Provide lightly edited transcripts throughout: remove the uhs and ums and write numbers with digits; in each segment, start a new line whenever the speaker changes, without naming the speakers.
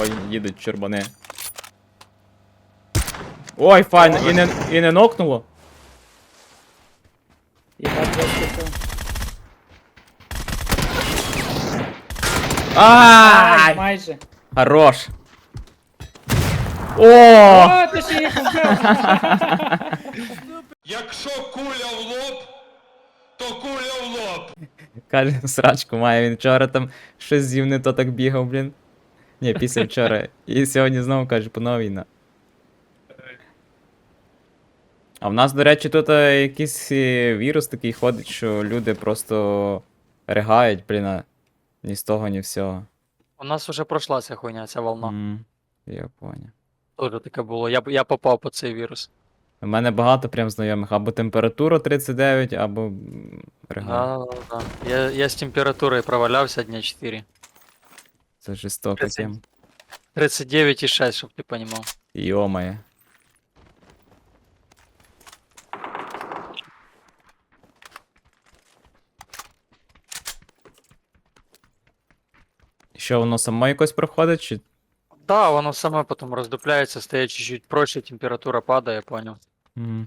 Ой, їдуть чорбани. Ой, файно, і не нокнуло.
І на 200.
Ай!
Майже.
Хорош. О!
О, ти ще їх вбив.
Якщо куля в лоб, то куля в лоб.
Каже, срачку має, він вчора там щось з'їв не то так бігав, блін. Ні, після вчора. І сьогодні знову каже, панова війна. А в нас, до речі, тут якийсь вірус такий ходить, що люди просто ригають, блін, ні з того, ні всього.
У нас уже пройшла ця хуйня, ця волна.
Я поняв.
Тоже таке було. Я попав по цей вірус.
У мене багато прям знайомих, або температура 39, або ригають.
Да. Я з температурою провалявся дня 4.
Це жорстоко
30.
тем.
39,6, щоб ти понімав.
Йомає. Що, воно само якось проходить, чи...
Да, воно саме потім роздупляється, стає чуть-чуть проще, температура падає, поняв.
Мгм.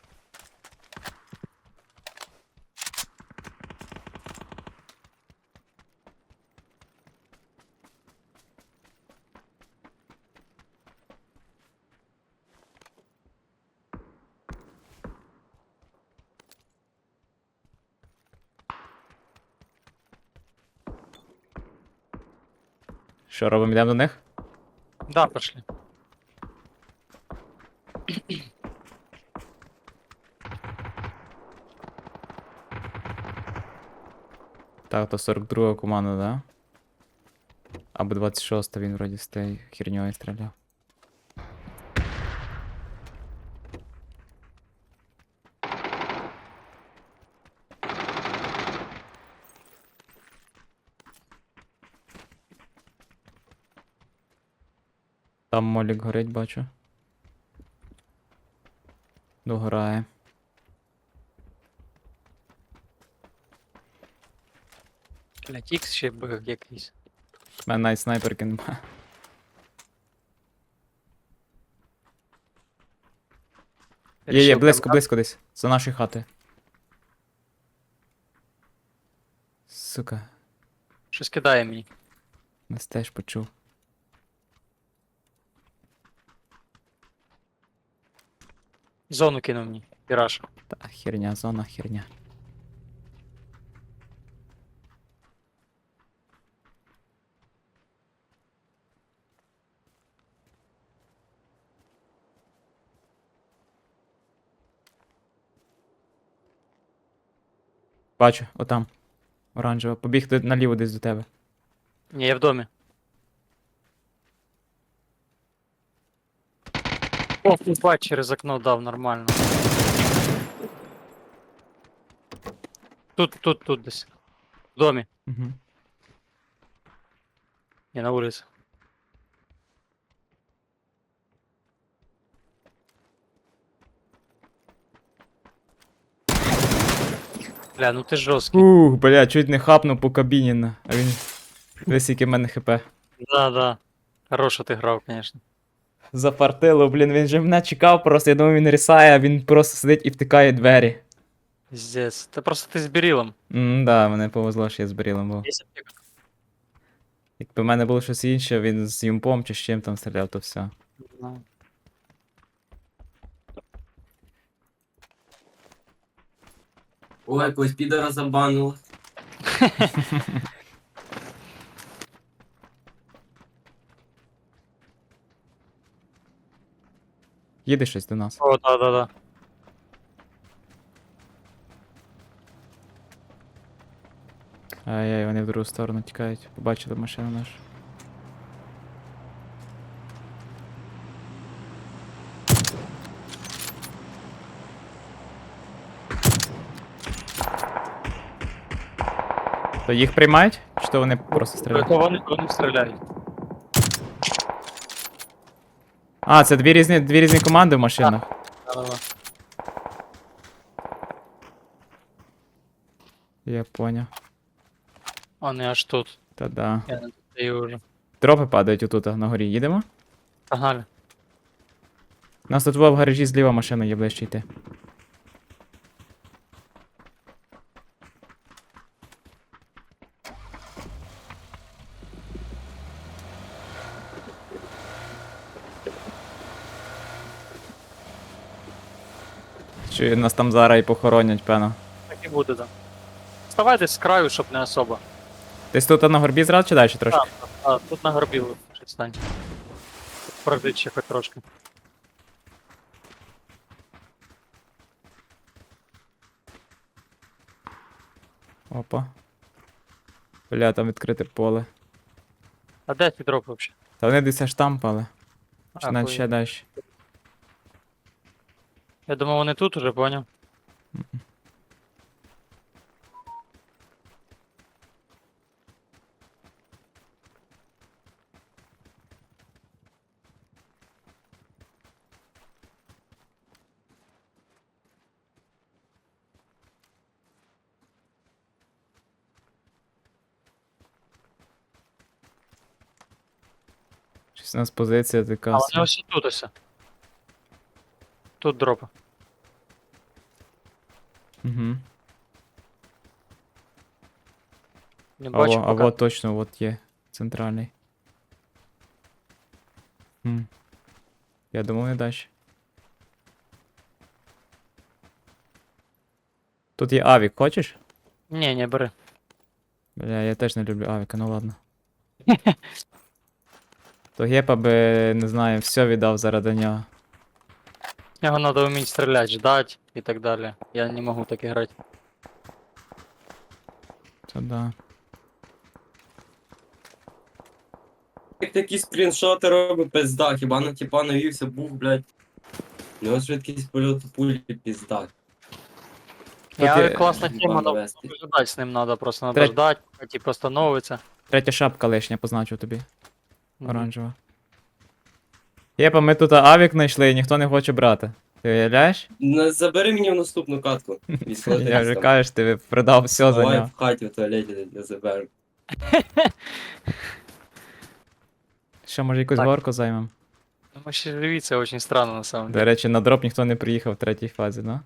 Що робимо, йдемо до них?
Да, пошли.
Так, то 42 команда, да? Або 26 він вроді з тією херньою стріляв. Там молік горить, бачу. Догорає.
Блять, ікс ще б якийсь.
У мене навіть снайперки нема. Є,
Рішив
близько,
там-
близько десь. За нашої хати. Сука,
Щось кидає мені.
нас теж почув.
Зону кинув мені. Піраж.
Та херня, зона херня. Бачу, отам. Оранжево. Побіг наліво десь до тебе.
Ні, я в домі. О, бать, через окно дав, нормально. Тут десь. В домі.
Угу.
Не на вулиці. Бля, ну ти жорсткий.
Бля, чуть не хапнув по кабіні, а він... Десь яке в мене хп.
Да. Хорошо ти грав, конечно.
Зафартило, блін, він же мене чекав просто, я думав, він рісає, а він просто сидить і втикає двері.
Пиздец. Та просто ти з Бірілом.
Да, мене повезло, що я з Брілом був.
Є аптека?
Якби в мене було щось інше, він з юмпом чи з чим там стріляв, то все.
Ну.
Ой, якогось підора забанили.
Їде щось до нас.
О, да.
Ай-яй, вони в другу сторону тікають. Побачили машину нашу. То їх приймають? Чи то вони просто стріляють?
То вони стріляють.
А, це дві різні команди в машинах.
Да.
Я поняв.
Вони аж тут.
Та да.
Я не даю вже.
Дропи падають отут, на горі. Їдемо?
Погнали.
У нас тут в гаражі зліва машина є ближче йти. Чи нас там зараз і похоронять, певно.
Так і буде, так. Вставай десь з краю, щоб не особо.
Десь тут на горбі зразу чи далі трошки?
Тут на горбі лучше стань. Пройдіть ще хоч трошки.
Опа. Бля, там відкрите поле.
А де ті дропи взагалі?
Та вони десь аж там пали. Чи
А,
навіть
хуй.
ще далі.
Я думав, вони тут уже, поняв.
Щось у нас позиція
А
така.
вони ось тут ось. Тут дропи.
Угу.
Не бачу
А
поки.
вот точно, вот є. Центральний. Хм. Я думав, не далі. Тут є авік, хочеш?
Ні, не бери.
Бля, я теж не люблю авіка, ну ладно. То гепа би, не знаю, все віддав заради нього.
Його треба вміти стріляти, ждать і так далі. Я не можу так грати.
То да.
Як такі скріншоти робить пизда, хіба на тіпа навівся, бух, блядь. У нього швидкість польоту пулі пізда.
Я
є-
класна тема, но
навести.
ждать з ним треба, просто
Треть-
треба ждать, поки типу становиться.
Третя шапка лишня, позначу тобі.
Мгм.
Оранжева. Єпа, ми тут авік знайшли і ніхто не хоче брати. Ти уявляєш?
Забери мені в наступну катку.
Я вже кажеш, ти продав все за
Давай
нього.
в хаті в туалеті не заберу.
Що, може якусь
Так.
горку займемо?
Ну, ми ще живі, це дуже странно на самом деле.
До речі, на дроп ніхто не приїхав в третій фазі, да?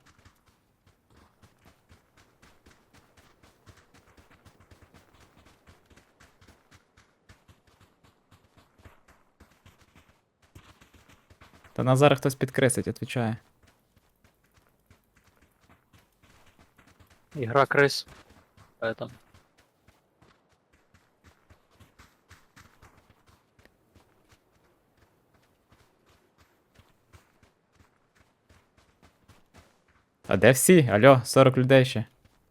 Та нас зараз хтось підкресить, відповідає.
Ігра крис. Поэтому.
А де всі? Алло, 40 людей ще.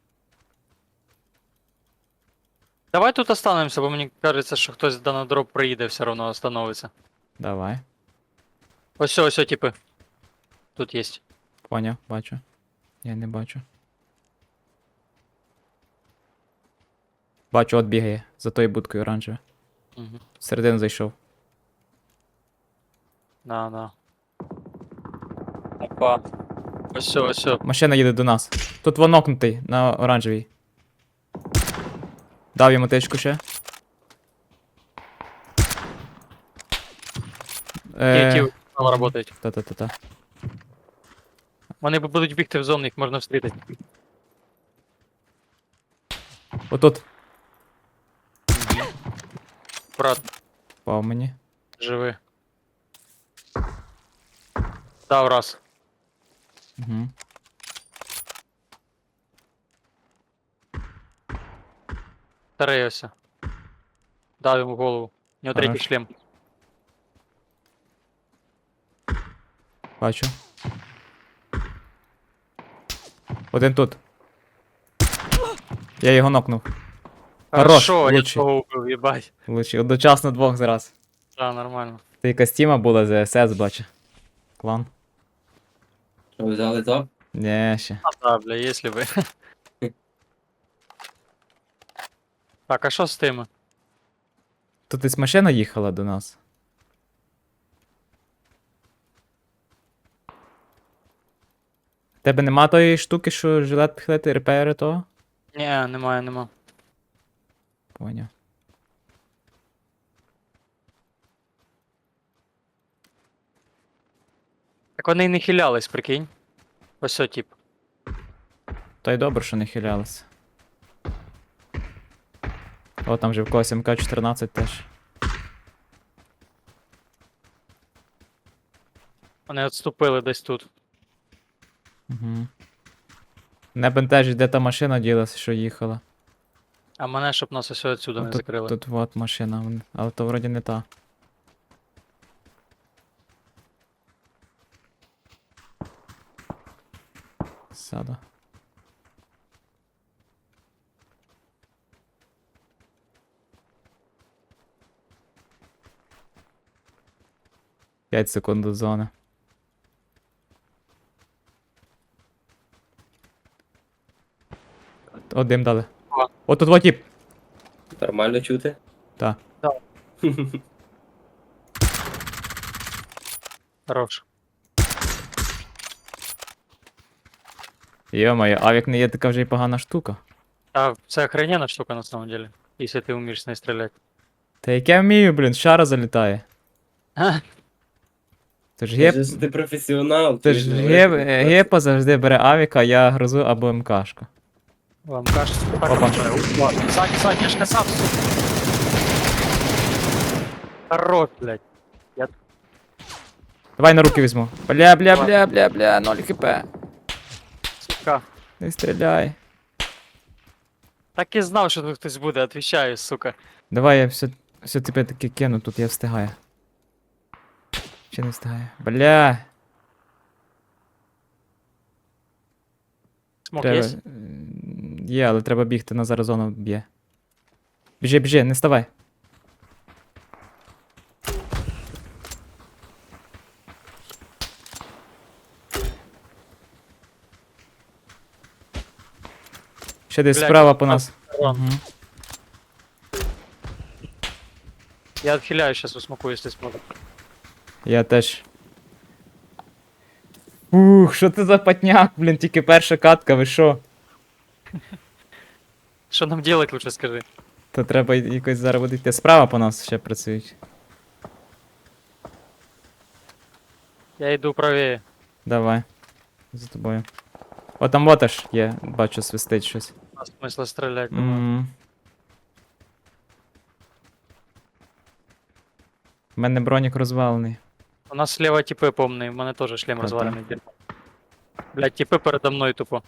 Давай тут останемося, бо мені кажеться, що хтось на дроп приїде, все одно остановиться.
Давай.
Ось, типи. Тут є.
Поняв, бачу. Я не бачу. Бачу, от бігає. За тою будкою оранжеве.
Угу.
Всередину зайшов.
На. Опа. Ось.
Машина їде до нас. Тут вонокнутий на оранжевій. Дав йому тичку ще.
Ті працюють.
Та-та-та-та.
Вони будуть бігти в зону, їх можна встрітити.
Отут.
Брат,
Впав мені.
живи. Дав раз.
Угу.
Старий ось. Дав йому в голову. У нього третій
Хорош.
шлем.
Бачу. Один тут. Я його нокнув. Хорош,
Хорошо, я
лучший.
того убив, їбать.
Влучив. Одночасно двох зараз.
Так, нормально.
Це якась тіма була з СС, бачу. Клан.
Що, взяли топ?
Ні, ще.
А, да, бля, если бы. Так, а що з тими?
Тут десь машина їхала до нас. Тебе нема тої штуки, що жилет підхилити репейри того?
Ні, нема.
Поняв.
вони й не хилялись, прикинь. Ось о, тип.
Та й добре, що не хилялися. О, там же в когось МК-14 теж.
Вони відступили десь тут.
Угу. Не бентежить, де та машина ділася, що їхала.
А мене, щоб нас ось отсюди не
Тут,
закрили.
тут вот машина, але то вроді не та. Сяду. П'ять секунд до зони. О, дим дали.
О.
О, тут вот тип.
Нормально чути?
Та.
Хорош.
Йо-моє, авік не є така вже й погана штука.
А це охрененна штука на самом деле. Если ти вмієш з нею стріляти.
Та як я вмію, блін, шара залітає.
Ха,
Це ж геп,
Ти професіонал.
це
ти
ж
говориш,
геп,
що ти
гепа завжди бере авіка, я грозу або МКшку.
Вам кажется, так
Опа.
Сзади, я ж казав, сука. Хорош, блядь.
Давай на руки візьму. Бля, 0 хп.
Сука.
Не стріляй.
Так і знав, що тут хтось буде, отвечаю, сука.
Давай я все тебе таки кину, тут я встигаю. Чи не встигаю? Бля.
Смок
Треба...
є?
Є, але треба бігти, на зараз зону б'є. Біжи, не ставай. Ще десь
Блядь,
справа по нас.
Рон.
Мгм.
Я отхиляю сейчас у смоку, если сможет.
Я теж. Ух, що це за патняк, блін, тільки перша катка, ви що?
Что нам делать, лучше скажи.
То треба якось зараз буде йти. Справа по нас ще працюють.
Я иду правее.
Давай. За тобою. О, там вот аж є, бачу, свистить щось.
А смысла стрелять, думаю.
М. У мене бронік розвалений.
У нас слева типы помные, у мене тоже шлем
Та-та.
разваленный. дерьмо. Блядь, типы передо мной тупо.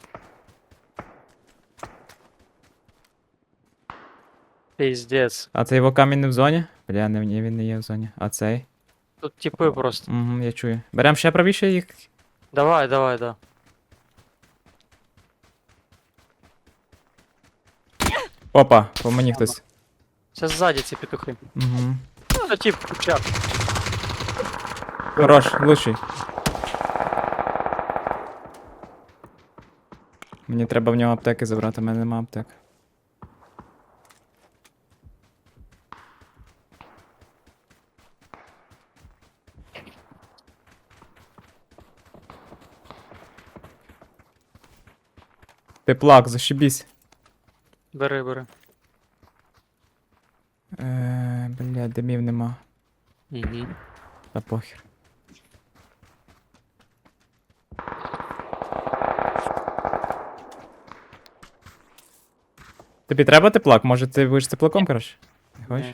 Пиздец.
А цей його камінь не в зоні? Бля, не, ні, він не є в зоні. А цей?
Тут типы просто.
Угу, я чую. Берем ще правіше їх.
Давай, давай, да.
Опа, по мені хтось.
Сейчас сзади эти петухи.
Угу.
Ну, это тип, чап.
Хорош, лучший. Мені треба в нього аптеки забрати, в мене нема аптек. Ти плак, зашибісь.
Бери, бери.
Бля, димів нема.
Угу.
Та похер. Тобі треба теплак? Може ти будеш теплаком, коротше? Не хочеш?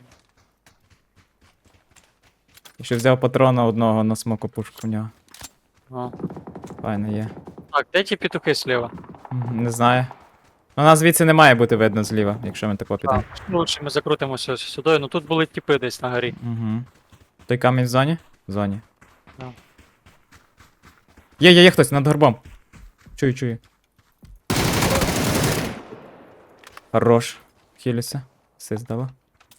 Я ще взяв патрона одного на смоку пушку в нього.
А.
Файно є.
Так, де ті петухи слева?
Не знаю. Ну, нас звідси не має бути видно зліва, якщо ми тако підемо.
Лучше ми закрутимося сюди, ну тут були типи десь на горі.
Угу. Той камінь в зоні? В зоні.
Да.
Є хтось над горбом. Чую. Хорош. Хілюся. Все здало.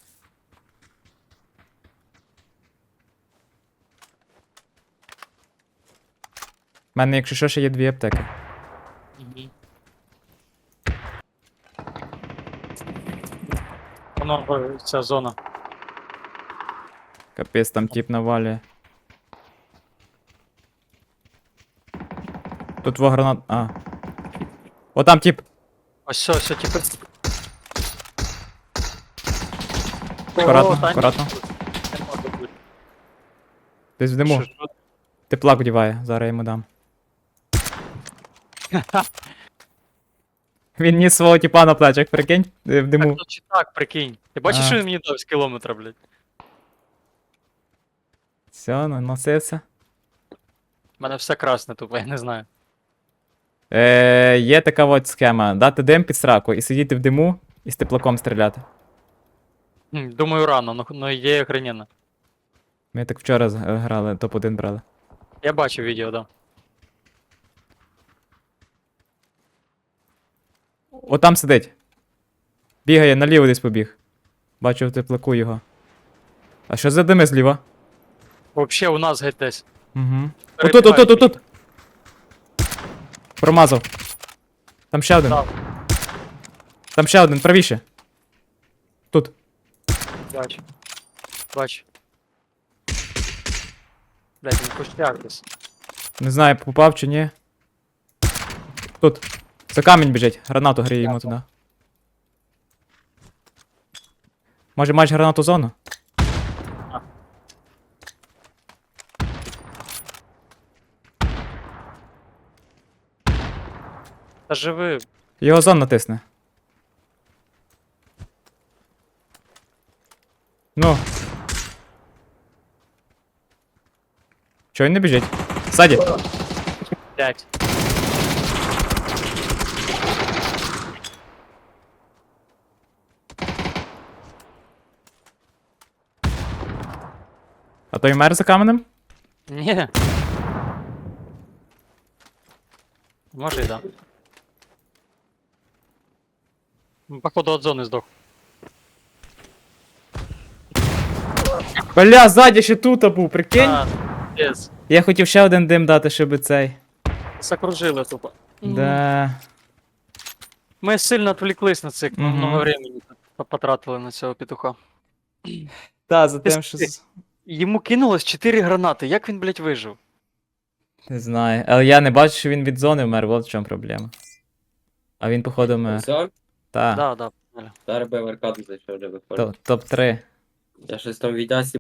У мене, якщо що, ще є 2 аптеки.
Угу. Воно, ця зона.
Капець, там тип навалює. Тут во гранат. А. О, там тип.
Ось, все, типи.
Акуратно,
О, та ні,
акуратно.
Не може бути.
Десь в диму.
Що,
Теплак вдіває, зараз я йому дам. Він ніс свого тіпа на плечах, прикинь, в диму.
Так, чи так, прикинь. Ти бачиш,
А.
що він мені дав з кілометра, блядь?
Все, наносився.
У мене все красне тупо, я не знаю.
Є така от схема. Дати дим під сраку і сидіти в диму і з теплаком стріляти.
Думаю, рано, но ідея охрененна.
Ми так вчора грали, топ-1 брали.
Я бачив відео, да.
О, там сидить. Бігає, наліво десь побіг. Бачу в теплаку його. А що за дими зліва?
Вообще у нас геть десь.
Угу. Отут. Промазав. Там ще один.
Так.
Там ще один, правіше. Тут.
Бачу. Бачу. Блядь, він кущак десь.
Не знаю, попав чи ні. Тут. За камінь біжить. Гранату гріє йому туди. Може маєш гранату зону?
Та живи.
Його зон натисне. Ну. Чого він не біжить? Ззаді.
Блядь.
А той мер за каменем?
Ні. Може і да. Походу от зони здох.
Бля, ззаді ще тут був, прикинь?
Yes.
Я хотів ще один дим дати, щоб цей.
Закружили тупо.
Да.
Ми сильно відвлеклись на це,
Мгм.
много времени потратили на цього петуха.
Та, за
Ти
тим, що.
Йому кинулось 4 гранати, як він, блядь, вижив?
Не знаю. Але я не бачу, що він від зони вмер, от в чому проблема. А він, походу, вмер.
Все,
Та.
Да, да.
зараз би в аркаду зайшов, вже виходить.
Топ-3.
Я щось там в відясі